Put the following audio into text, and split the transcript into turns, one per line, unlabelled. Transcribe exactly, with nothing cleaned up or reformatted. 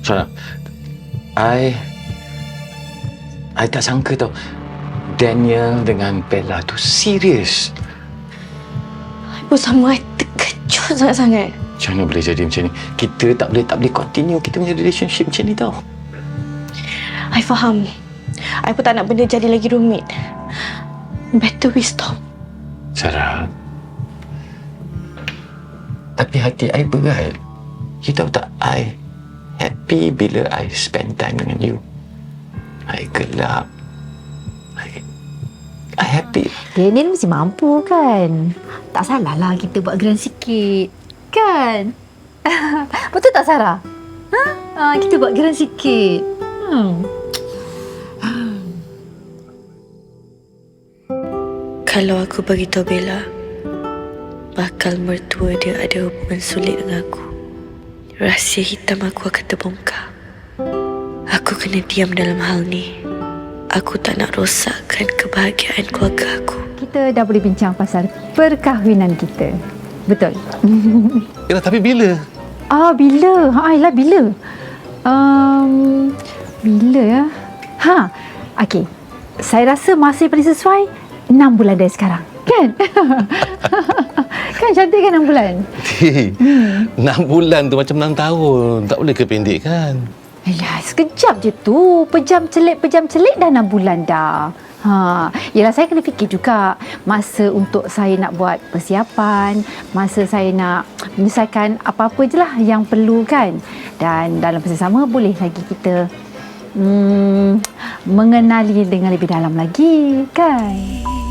Sarah, I... I tak sangka tau. Daniel dengan Bella tu serius.
I pun sama, I terkejut sangat-sangat.
Macam mana boleh jadi macam ni? Kita tak boleh tak boleh continue kita punya relationship macam ni tau.
I faham. I pun tak nak benda jadi lagi rumit. Better we stop.
Sarah. Tapi hati I berat. You tahu tak, I happy bila I spend time dengan you. I gelap. I, I happy.
Daniel mesti mampu kan? Tak salah lah kita buat geran sikit. Kan? Betul tak Sarah? Ha? Ha, kita buat geran sikit. Hmm.
Kalau aku beritahu Bella, bakal mertua dia ada hubungan sulit dengan aku, rahsia hitam aku akan terbongkar. Aku kena diam dalam hal ni. Aku tak nak rosakkan kebahagiaan keluarga aku.
Kita dah boleh bincang pasal perkahwinan kita. Betul?
Yalah, tapi bila?
Ah, bila? Ha, Ayla, bila? Um, bila ya? Ha, okey. Saya rasa masa yang paling sesuai enam bulan dari sekarang. Kan? Kan cantik kan enam bulan?
Hmm. enam bulan tu macam enam tahun. Tak boleh kependekkan.
Alah, sekejap je tu. Pejam celik, pejam celik dah enam bulan dah. Ha, yelah saya kena fikir juga masa untuk saya nak buat persiapan, masa saya nak menyelesaikan apa-apa je lah yang perlu kan. Dan dalam masa sama boleh lagi kita hmm, mengenali dengan lebih dalam lagi kan.